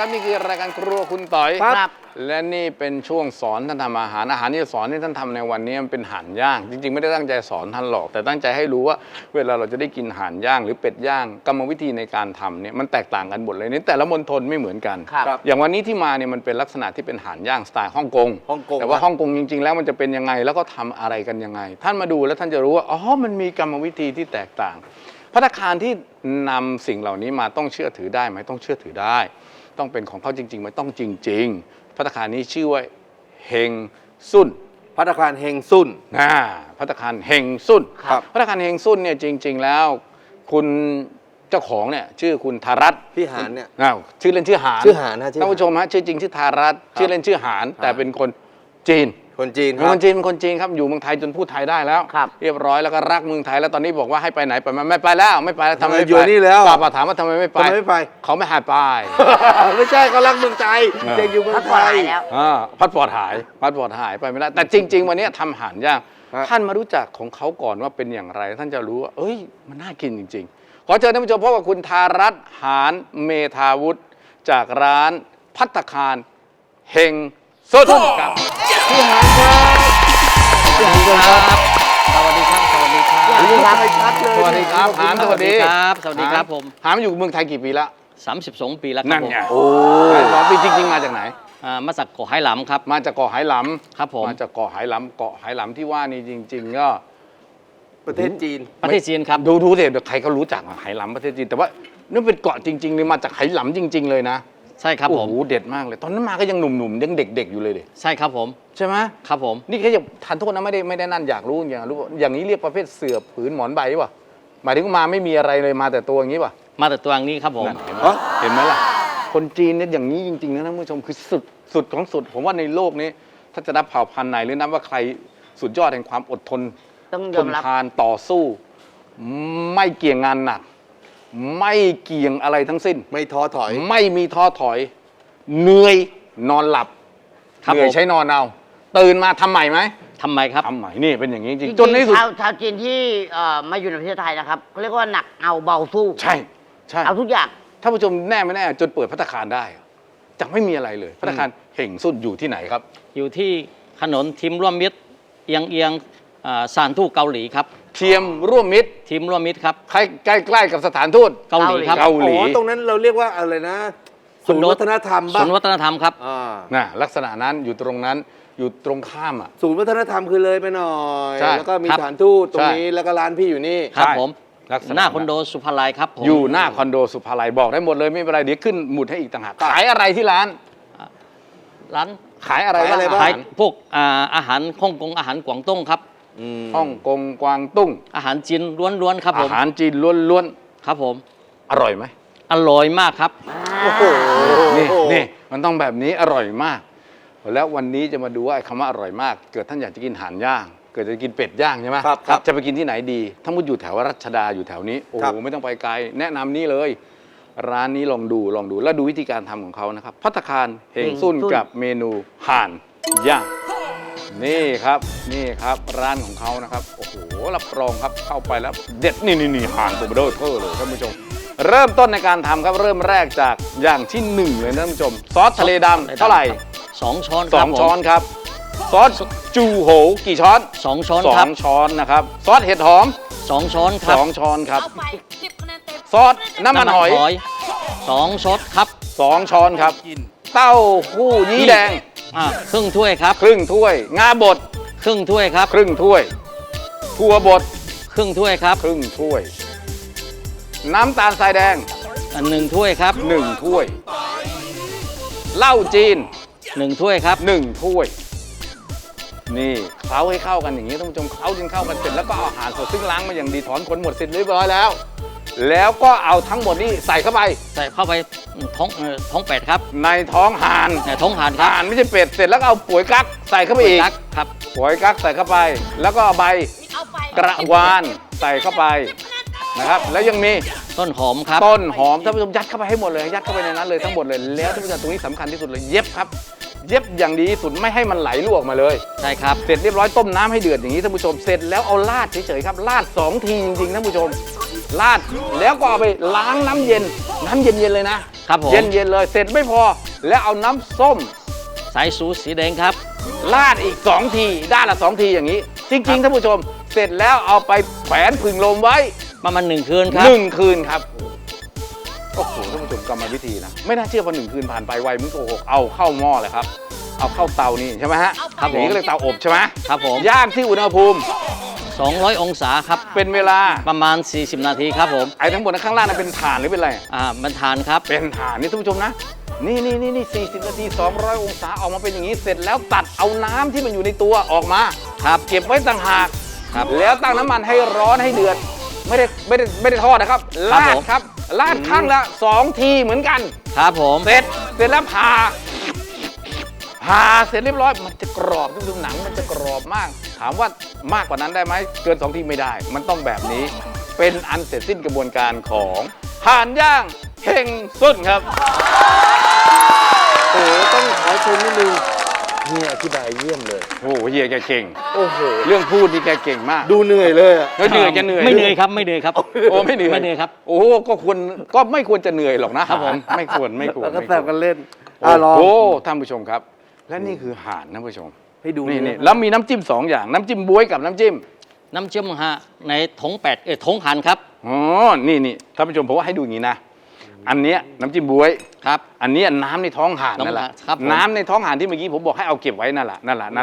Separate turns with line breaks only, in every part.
ครับนี่คือรายการครัวคุณต่อย
ครับ
และนี่เป็นช่วงสอนท่านทำอาหารที่จะสอนที่ท่านทำในวันนี้มันเป็นห่านย่างจริงๆไม่ได้ตั้งใจสอนท่านหรอกแต่ตั้งใจให้รู้ว่าเวลาเราจะได้กินห่านย่างหรือเป็ดย่างกรรมวิธีในการทำเนี่ยมันแตกต่างกันหมดเลยนี่แต่ละมณฑลไม่เหมือนกัน
ครับ
อย่างวันนี้ที่มาเนี่ยมันเป็นลักษณะที่เป็นห่านย่างสไตล์ฮ่องกงแต่ว่าฮ่องกงจริงๆแล้วมันจะเป็นยังไงแล้วก็ทำอะไรกันยังไงท่านมาดูแล้วท่านจะรู้ว่าอ๋อมันมีกรรมวิธีที่แตกต่างภัตตาคารที่นำสิ่งเหล่านี้มาต้องเชื่อถือได้ไหมต้องเชื่อถือได้ต้องเป็นของเขาจริงๆไหมต้องจริงๆภัตตาคารนี้ชื่อว่าเฮงซุน
ภัตตาคารเฮงซุน
ภัตตาคารเฮงซุน
ครับ
ภัตตาคารเฮงซุนเนี่ยจริงๆแล้วคุณเจ้าของเนี่ยชื่อคุณธารัตน์
พี่หานเนี่ย
ชื่อเล่นชื่อหาน
ชื่อหานนะชื่อหาน
ท่านผู้ชมฮะชื่อจริงชื่อธารัตน์ชื่อเล่นชื่อหานแต่เป็นคนจีน
คนจีนค
เป็น
รั
ค
บ
นจีนเป็นคนจีนครับอยู่เมืองไทยจนพูดไทยได้แล้ว
ครับ
เรียบร้อยแล้วก็รักเมืองไทยแล้วตอนนี้บอกว่าให้ไปไหนไปมาไม่ไปแล้วไม่ไปแล้วทำไมไม่ไป
อยู่นี่แล้ว
ป้าถามว่าทำไมไม่ไป
ทำไมไม่ไป
เขาไม่หายไป
ไม่ใช่เขารักเมืองไทย
เออ
เด็กอยู่เมือ
พั
ง
ก
ไท
ผ่อน
ย
หายแล้ว
พาสปอร์ตหายไปไม่ได้แต่จริง ๆ วันนี้ทำห่านย่าง
ฮะ
ท่านมารู้จักของเขาก่อนว่าเป็นอย่างไร ท่านจะรู้ว่าเอ้ยมันน่ากินจริง ๆ ขอเชิญท่านผู้ชมพบกับคุณธารัตน์หานเมธาวุฒิจากร้านภัตตาคารเฮงซุนครับพี่หานครับพี่หานครับ
สวัสดีครับ สวัสดีครับ
สวัสดีครับ
ชัดเลย
สวัสดีครับหานสวัสดี
ครับสวัสดีครับผม
หานอยู่เมืองไทยกี่ปีแล้ว
32 ปีแล้วครั
นั่
บ
น
ผม
ไงโอ้2 ปีจริง ๆ มาจากไหน
มาจากเกาะไหหลำครับ
มาจากเกาะไหหลำ
ครับผม
มาจากเกาะไหหลำเกาะไหหลำที่ว่านี่จริง ๆ ก็
ประเทศจีน
ประเทศจีนครับ
ดูสิเดี๋ยวใครก็รู้จักไหหลำประเทศจีนแต่ว่านี่เป็นเกาะจริงๆเลยมาจากไหหลำจริง ๆ เลยนะ
ใช่ครับ
โอ้
ผม
โหเด็ดมากเลย ตอนนั้นมาก็ยังหนุ่มๆยังเด็ก ๆ อยู่เลยดิ
ใช่ครับผม
ใช่ไหม
ครับผม
นี่แค่จะทานโทษนะไม่ได้นั่นอยากรู้อย่างนี้เรียกประเภทเสือผืนหมอนใบป่ะหมายถึงมาไม่มีอะไรเลยมาแต่ตัวอย่างนี้ป่ะ
มาแต่ตัวนี้ครับผม
นั่นเห็นไหมล่ะคนจีนเนี่ยอย่างนี้จริงๆนะท่านผู้ชมคือสุดของสุดผมว่าในโลกนี้ถ้าจะนับเผ่าพันธุ์ไหนหรือนับว่าใครสุดยอดแห่งความอดทน
ต้องย
ท
อม
น
รับ
ทานต่อสู้ ไม่เกี่ยงงานหนัก ไม่เกี่ยงอะไรทั้งสิ้น
ไม่ท้อถอย
ไม่มีท้อถอย เหนื่อยนอนหลับ
ครับ
เหนื่อย
ผม
ใช้นอนเอาตื่นมาทำใหม่ไหม
ทำไมครับ
ทำใหม่นี่เป็นอย่างนี้จ
จ
ริ
ริ
ง
ง
ๆจนในที่สุด
ชาวจีนที่มาอยู่ในประเทศไทยนะครับเขาเรียกว่าหนักเอาเบาสู้
ใช่ใช่
เอาทุกอย่าง
ท่านผู้ชมแน่ไม่แน่จนเปิดภัตตาคารได้จะไม่มีอะไรเลยภัตตาคารเห่งสุดอยู่ที่ไหนครับ
อยู่ที่ถนนทีมร่วมมิตรเอียงสถานทูตเกาหลีครับ
เทียมร่วมมิตร
ทีมร่วมมิตรครับ
ใกล้ๆกับสถานทูต
เกาหลีครับ
เกาหลี
อ๋อ ตรงนั้นเราเรียกว่าอะไรนะ ศูนย์วัฒนธรรม
ศู
บ้าง
นย์วัฒนธรรมครับ
น่ะลักษณะนั้นอยู่ตรงนั้นอยู่ตรงข้ามอ่ะ
ศูนย์วัฒนธรรมคือเลยไปหน่อย
ใช่
แล้วก็มี
ครับ
สถานทูตตรง
ใช่
นี้ แล้วก็ร้านพี่อยู่นี่
ครับ
ใช่
ผม
ลักษณะ
หน้าคอนโดสุภาลัยครับผม
อยู่หน้าคอนโดสุภาลัยบอกได้หมดเลยไม่เป็นไรเดี๋ยวขึ้นหมุดให้อีกต่างหากขายอะไรที่ร้าน
ร้าน
ขายอะไร
ขายอะไรบ้าง
ขายพวกอาหารฮ่องกงอาหารกวางตุ้งครับ
ฮ่องกงกวางตุ้ง
อาหารจีนล้วนๆครับผ
อาม หารจีนล้วน
ครับผม
ๆอร่อยไหม
อร่อยมากครับ
โอ้โห
นี่มันต้องแบบนี้อร่อยมาก แล้ววันนี้จะมาดูว่าไอ้คำว่าอร่อยมาก เกิดท่านอยากจะกินห่านย่าง เกิดจะกินเป็ดย่างใช่ไหม
ครับ
จะไปกินที่ไหนดีถ้ามุดอยู่แถวรัชดาอยู่แถวนี้โอ้
ครั
โห
บ
ไม่ต้องไปไกลแนะนำนี่เลย ร้านนี้ลองดูแล้วดูวิธีการทำของเขานะครับภัตตาคารเฮงซุนกับเมนูห่านย่างนี่ครับร้านของเขานะครับโอ้โหรับรองครับเข้าไปแล้วเด็ดนี่ห่านตัวเบลอเทอร์เลยท่านผู้ชม เริ่มต้นในการทำครับเริ่มแรกจากอย่างที่หนึ่งเลยนะท่านผู้ชม ซอสทะเลดำเท่าไหร่
2 ช้อน
ส
ครั
อบ ง
ผม
ช้อนครับ ซอสจูโหกี่ช้อน
2 ช้อน
สอ
ครับ
งช้อนนะครับซอสเห็ดหอม
2 ช้อนครับ
2 ช้อนครับ
เอาไป10คะแนนเต็ม
ซอสน้ำมันหอย
2 ช้อนครับ
2 ช้อนครับ เต้าหู้ยี้แดง
ครึ่งถ้วยครับ
ครึ่งถ้วย งาบด
ครึ่งถ้วยครับ
ครึ่งถ้วย ถั่วบด
ครึ่งถ้วยครับ
ครึ่งถ้วย น้ำตาลทรายแดง
1 ถ้วยครับ
1 ถ้วยเหล้าจีน
1 ถ้วยครับ
1 ถ้วย นี่เคล้าให้เข้ากันอย่างนี้ท่านผู้ชมเคล้าจนเข้ากันเสร็จแล้วก็เอาอาหารสดซึ่งล้างมาอย่างดีถอนขนหมดเสร็จเรียบร้อยแล้ว แล้วก็เอาทั้งหมดนี้ใส่เข้าไป
ใส่เข้าไปท้องเป็ดครับ
ในท้องห่าน
ท้องห่านครับ
ห่านไม่ใช่เป็ดเสร็จแล้วก็เอาปุ๋ยกั๊กใส่เข้าไปอีก
กั๊กครับ
ปุ๋ยกั๊กใส่เข้าไป แล้วก็เอาใบ
เอาไป
กระวานใส่เข้าไปนะครับ แล้วยังมี
ต้นหอมครับ
ต้นหอมท่านผู้ชมยัดเข้าไปให้หมดเลยยัดเข้าไปในนั้นเลยทั้งหมดเลยแล้วท่านผู้ชมตรงนี้สำคัญที่สุดเลยเย็บครับ เย็บอย่างดีที่สุดไม่ให้มันไหลรั่วออกมาเลย
ใช่ครับ
เสร็จเรียบร้อยต้มน้ำให้เดือดอย่างนี้ท่านผู้ชมเสร็จแล้วเอาราดเฉยๆครับราด2 ทีจริงๆท่านผู้ชมราดแล้วก็เอาไปล้างน้ำเย็นเลยนะ
ครับผม
เย็นๆเลยเสร็จไม่พอแล้วเอาน้ำส้ม
สายสูสีแดงครับ
ราดอีก2 ทีด้านละ2 ทีอย่างนี้ จริงๆท่านผู้ชม เสร็จแล้วเอาไปแขวนผึ่งลมไว้
ประมาณ1 คืนครับ
1 คืนครับโอ้โหท่านผู้ชมกรรมวิธีนะไม่น่าเชื่อว่า1 คืนผ่านไปไวมึงโกหกเอาเข้าหม้อเลยครับเอาเข้าเตานี่ใช่ไหมฮะ
ครับผม
อย่างนี้ก็เลยเตาอบใช่ไหม
ครับผม
ย่างที่อุณหภูมิ
200 องศาครับ
เป็นเวลา
ประมาณ 40 นาทีครับผม
ไอ้ทั้งหมดข้างล่างนั้นเป็นถ่านหรือเป็นอะไร
มันทานครับ
เป็นถ่านนี่ท่านผู้ชมนะ นี่40 นาที 200 องศาออกมาเป็นอย่างนี้ เสร็จแล้วตัดเอาน้ำที่มันอยู่ในตัวออกมา
ครับ
เก็บไว้ต่างหาก
ครับ
แล้วตั้งน้ำมันให้ร้อนให้เดือด ไม่ได้ทอดนะครับ
ครับ
ลา
ผ
ด
ม
ครับลาดข้างละ 2 ทีเหมือนกัน
ครับผม
เสร็จแล้วผ่าเสร็จเรียบร้อยมันจะกรอบท่านผู้ชมหนังมันจะกรอบมาก ถามว่ามากกว่านั้นได้ไหมเกิน 2 ทีไม่ได้ มันต้องแบบนี้เป็นอันเสร็จสิ้นกระบวนการของห่านย่างเฮงสุนครับ
โอ้โหต้องขอชมนิดนึงเฮียอธิบายเยี่ยมเลย
โอ้โหเฮียแกเก่ง
โอ้โห
เรื่องพูดนี่แกเก่งมาก
ดูเหนื่อยเลยอะ
เหนื่อยแกเหนื่อย
ไม่เหนื่อยครับไม่เหนื่อยครับ
โอ้ไม่เหนื่อย
ไม่เหนื่อยครับ
โอ้ก็ไม่ควรจะเหนื่อยหรอกนะครับ
ผม
ไม่ควร
แล้วก็แซวกันเล่น
โอ้
ลอง
โหท่านผู้ชมครับ และนี่คือห่านท่านผู้ชม
ให้ดู
นี่แล้วมีน้ำจิ้ม2 อย่างน้ำจิ้มบ๊วยกับน้ำจิ้ม
น้ำจิ้มฮะในถงถงหันครับ
อ๋อนี่ท่านผู้ชมผมว่าให้ดูอย่างนี้นะ อันเนี้ยน้ำจิ้มบ๊วย
ครับ
อันเนี้ยน้ำในท้องห่านนั่นแหละ
ครับผม
น้ำในท้องห่านที่เมื่อกี้ผมบอกให้เอาเก็บไว้นั่นแหละ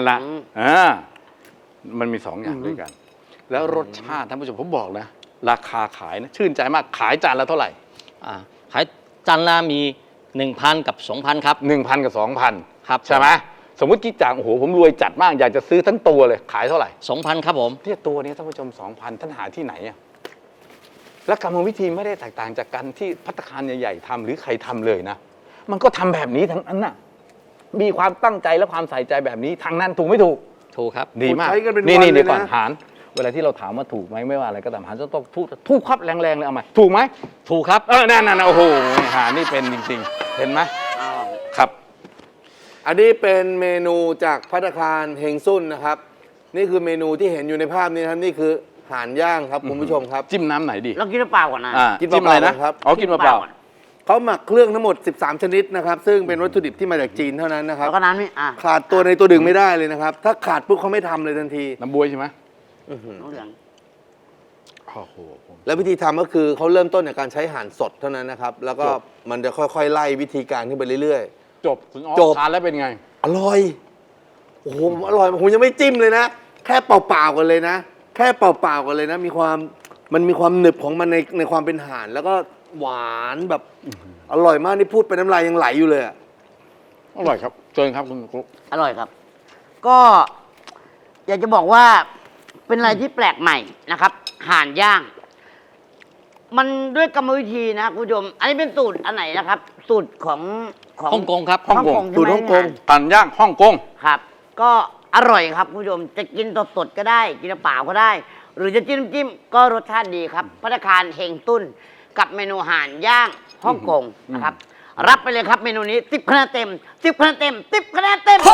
มันมี2 อย่างด้วยกัน แล้วรสชาติท่านผู้ชมผมบอกนะราคาขายนะชื่นใจมากขายจานละเท่าไหร่
ขายจานละมี 1,000 กับ 2,000 ครับ
1,000 กับ 2,000
ครับ
ใช่ไหมสมมติกิ๊กจ่างโอ้โหผมรวยจัดมากอยากจะซื้อทั้งตัวเลยขายเท่าไหร่
2,000 ครับผม
เนี่ยตัวนี้ท่านผู้ชม 2,000 ท่านหาที่ไหนอะและกรรมวิธีไม่ได้แตกต่างจากการที่ภัตตาคารใหญ่ๆทำหรือใครทำเลยนะ มันก็ทำแบบนี้ทั้งนั้นน่ะมีความตั้งใจและความใส่ใจแบบนี้ทางนั้นถูกไม่ถูก
ถูกครับ
ดีมาก
ใช้กันเป็น
นี่
วัน
นี่
เลยนะ
เดี๋ยวก่อนหารเวลาที่เราถามว่าถูกไหมไม่ว่าอะไรก็ตามหารจะต้องถูกครับแรงๆเลยเอามาถูกไหม
ถูกครับ
นั่นโอ้โหหารนี่เป็นจริงๆ เห็นไหมครับ
อันนี้เป็นเมนูจากภัตตาคารเฮงซุนนะครับ นี่คือเมนูที่เห็นอยู่ในภาพนี้นะครับนี่คือห่านย่างครับคุณผู้ชมครับ
จิ้มน้ำไหนดี
เรากินเปล่าก่อนนะ
กิน
จิ้มอะไร
เป
นะ
ล่าๆครับ
อ๋อกินเปล่า
ก่อน
เขาหมักเครื่องทั้งหมด 13 ชนิดนะครับ ซึ่งเป็นวัตถุดิบที่มาจากจีนเท่านั้นนะครับ
แล้วก็น้ำนี่
ขาดตัวในตัวดึงไม่ได้เลยนะครับ ถ้าขาดปุ๊บเขาไม่ทำเลยทันที
ๆน้ำบวยใช่ไหม
น้ำเหลือง
โอ้โห
แล้ววิธีทำก็คือเขาเริ่มต้นจากการใช้ห่านสดเท่านั้นนะครับ แล้วก็
จบ
มันจะค่อยๆ ไล่วิธีการขึ้นไปเรื่อย
จบคุณอ๋อ
จบ
ทานแล้วเป็นไง
ๆ อร่อย โอ้โหผมอร่อยผมยังไม่จิ้มเลยนะ แค่เปล่าๆกันเลยนะ แค่เปล่าๆกันเลยนะ มันมีความหนึบของมันในความเป็นห่าน แล้วก็หวานแบบอร่อยมากนี่พูดไปน้ำลายยังไหลอยู่เลยอะ
อร่อยครับเชิญครับคุณครู
อร่อยครับ ก็อยากจะบอกว่าเป็นอะไรที่แปลกใหม่นะครับห่านย่าง มันด้วยกรรมวิธีนะคุณผู้ชม อันนี้เป็นสูตรอันไหนนะครับ สูตรของ
ฮ่องกงครับ
ฮ่องกง
สูตร
ใช่
ฮ่
ไหม
องกง
ตันย่างฮ่องกง
ครับ ก็อร่อยครับคุณผู้ชม จะกินสดๆก็ได้ กินเปล่าก็ได้ หรือจะจิ้มจิ้มก็รสชาติดีครับภัตตาคารเฮงตุ้น กับเมนูห่านย่างฮ่องกงนะครับ รับไปเลยครับเมนูนี้10 คะแนนเต็ม10 คะแนนเต็ม10 คะแนนเต็ม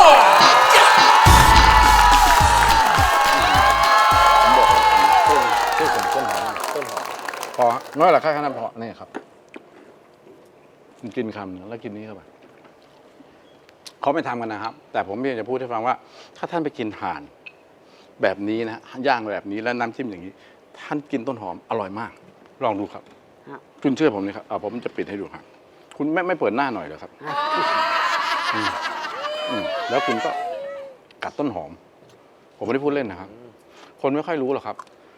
พอน้อยหรอแค่นั้นพอนี่ครับกินคำหนึ่งแล้วกินนี้เข้าไปเขาไม่ทำกันนะครับ แต่ผมอยากจะพูดให้ฟังว่า ถ้าท่านไปกินห่านแบบนี้นะย่างแบบนี้แล้วน้ำจิ้มอย่างนี้ ท่านกินต้นหอมอร่อยมาก ลองดูครับ
ครับ
คุณเชื่อผมนี่ครับผมจะปิดให้ดูครับ คุณไม่เปิดหน้าหน่อยเหรอครับแล้วคุณก็กัดต้นหอม ผมไม่ได้พูดเล่นนะครับ คนไม่ค่อยรู้หรอกครับ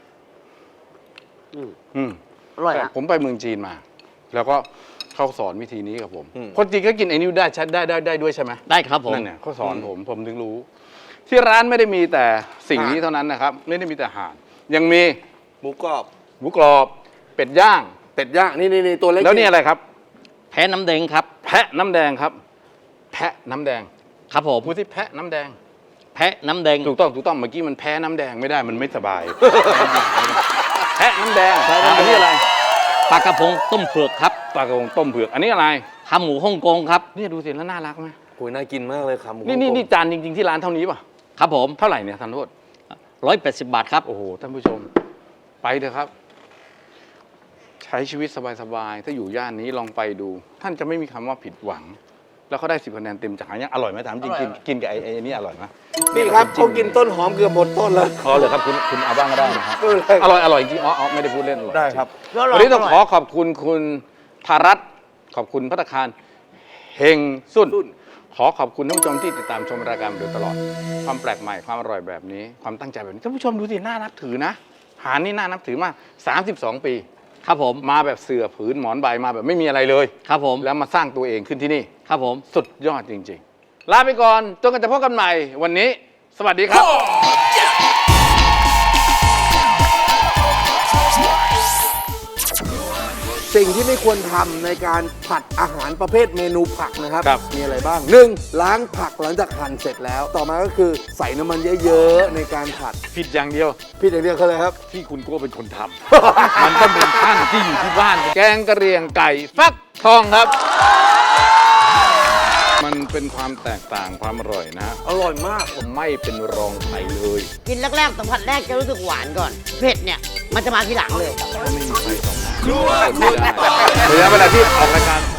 อร่อย
แต่
อะ
ผมไปเมืองจีนมา แล้วก็เขาสอนวิธีนี้กับผม คนจีนก็กินไอ้นิ้วได้ด้วยใช่ไหม
ได้ครับผม
นั่นเนี่ยเขาสอนผมถึงรู้ ที่ร้านไม่ได้มีแต่สิ่งนี้เท่านั้นนะครับ ไม่ได้มีแต่ห่าน ยังมี
หมูกรอบ
หมูกรอบ เป็ดย่าง
เป็ดย่างนี่ตัวเล็ก
แล้วนี่อะไรครับ
แพ้น้ำแดงครับ
แพะน้ำแดงครับ แพะน้ำแดง
ครับผม
พูดที่แพะน้ำแดง
แพ้น้ำแดง
ถูกต้องเมื่อกี้มันแพ้น้ำแดงไม่ได้มันไม่สบาย แพะน้ำแดงอันนี้อะไร
ปลากระพงต้มเผือกครับ
ปลากระพงต้มเผือกอันนี้อะไร
ขาหมูฮ่องกงครับ
เนี่ยดูสิแล้วน่ารักไหม
โอ้ยน่ากินมากเลยครับหมู
นี่จานจริงๆที่ร้านเท่านี้ป่ะ
ครับผม
เท่าไหร่เนี่ยท่านโทษ
180 บาทครับ
โอ้โหท่านผู้ชม ไปเถอะครับ ชใช้ชีวิตสบายๆ ถ้าอยู่ย่านนี้ลองไปดู ท่านจะไม่มีคำว่าผิดหวัง แล้วเขาได้10 คะแนนเต็มจากหายังอร่อยไหมถามจริงกินกับไอ้นี่อร่อยไหม
นี่ครับเขากินต้นหอมเกือบหมดต้นแล้ว
อ๋อเลยครับคุณเอาบ้างก็ได้นะครับ
ไม่เป็นไร
อร่อยจริงอ๋อไม่ได้พูดเล่นอร่อย
ได้ครับ
วันนี้ต้องขอขอบคุณคุณธารัตน์ขอบคุณภัตตาคารเฮงสุนขอขอบคุณท่านผู้ชมที่ติดตามชมรายการมาโดยตลอด ความแปลกใหม่ความอร่อยแบบนี้ ความตั้งใจแบบนี้ท่านผู้ชมดูสิน่านับถือนะหาญนี่น่านับถือมาก32 ปี
ครับผม
มาแบบเสือผืนหมอนใบมาแบบไม่มีอะไรเลย
ครับผม
แล้วมาสร้างตัวเองขึ้นที่นี่
ครับผม
สุดยอดจริงๆ ลาไปก่อนจนกันจะพบกันใหม่วันนี้ สวัสดีครับ
สิ่งที่ไม่ควรทำในการผัดอาหารประเภทเมนูผักนะครับ
ครับ
มีอะไรบ้าง 1. ล้างผักหลังจากหั่นเสร็จแล้ว ต่อมาก็คือใส่น้ำมันเยอะๆในการผัด
ผิดอย่างเดียว
พี่อย่างเดียวคืออะไรครับ
ที่คุณโก้เป็นคนทำ มันต้องเป็นท่านที่อยู่ที่บ้าน แกงกะเหรี่ยงไก่ฟักทองครับ มันเป็นความแตกต่างความอร่อยนะ
อร่อยมาก
ไม่เป็นรองใครเลย
กินแรกๆสัมผัสแรกจะรู้สึกหวานก่อน เผ็ดเนี่ย มันจะมาทีหลังเลย
ก็ไม่มีใครสองหน้าระยะเวลาที่ออกรายการ